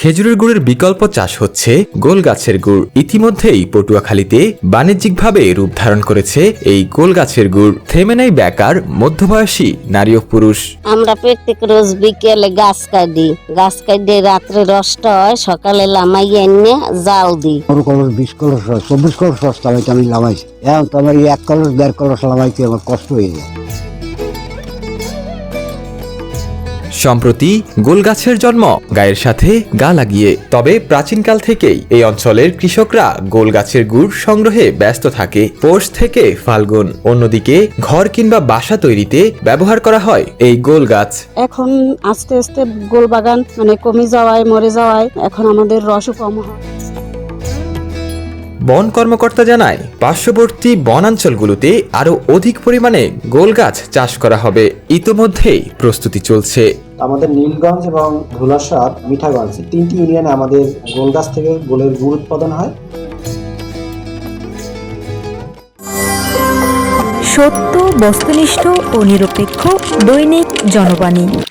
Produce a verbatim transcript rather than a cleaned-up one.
খেজুরের গুড়ের বিকল্প চাষ হচ্ছে গোল গাছের গুড়। ইতিমধ্যেই পটুয়াখালীতে বাণিজ্যিকভাবে রূপ ধারণ করেছে এই গোল গাছের গুড়। থেমে নেই বেকার মধ্যবয়সী নারী ও পুরুষ। আমরা প্রত্যেক রোজ বিকেলে গাছ কাটি, গাছ কাটে রাত্রে রসটা হয়, সকালে লামাই এনে জাল দিই। পনেরো কলস বিশ কলস চব্বিশ কলস রস লামাইতে আমি লামাইছি। এখন তো আমার এক কলস দেড় কলস লামাইতে আমার কষ্ট হয়ে যায়। সম্প্রতি গোল গাছের জন্ম গায়ের সাথে গা লাগিয়ে। তবে প্রাচীনকাল থেকেই এই অঞ্চলের কৃষকরা গোল গাছের গুড় সংগ্রহে ব্যস্ত থাকে পৌষ থেকে ফাল্গুন। অন্যদিকে ঘর কিংবা বাসা তৈরিতে ব্যবহার করা হয় এই গোল গাছ। এখন আস্তে আস্তে গোল বাগান মানে কমে যাওয়ায় মরে যাওয়ায় এখন আমাদের রসও কম হয়। বন কর্মকর্তা জানায় পার্শ্ববর্তী বনাঞ্চলগুলোতে আরো অধিক পরিমাণে গোল গাছ চাষ করা হবে। ইতোমধ্যেই প্রস্তুতি চলছে। আমাদের নীলগঞ্জ এবং ধুলাসাদ মিঠাগঞ্জ তিনটি ইউনিয়নে আমাদের গোল গাছ থেকে গোলের গুড় উৎপাদন হয়। সত্য, বস্তুনিষ্ঠ ও নিরপেক্ষ দৈনিক জনবাণী।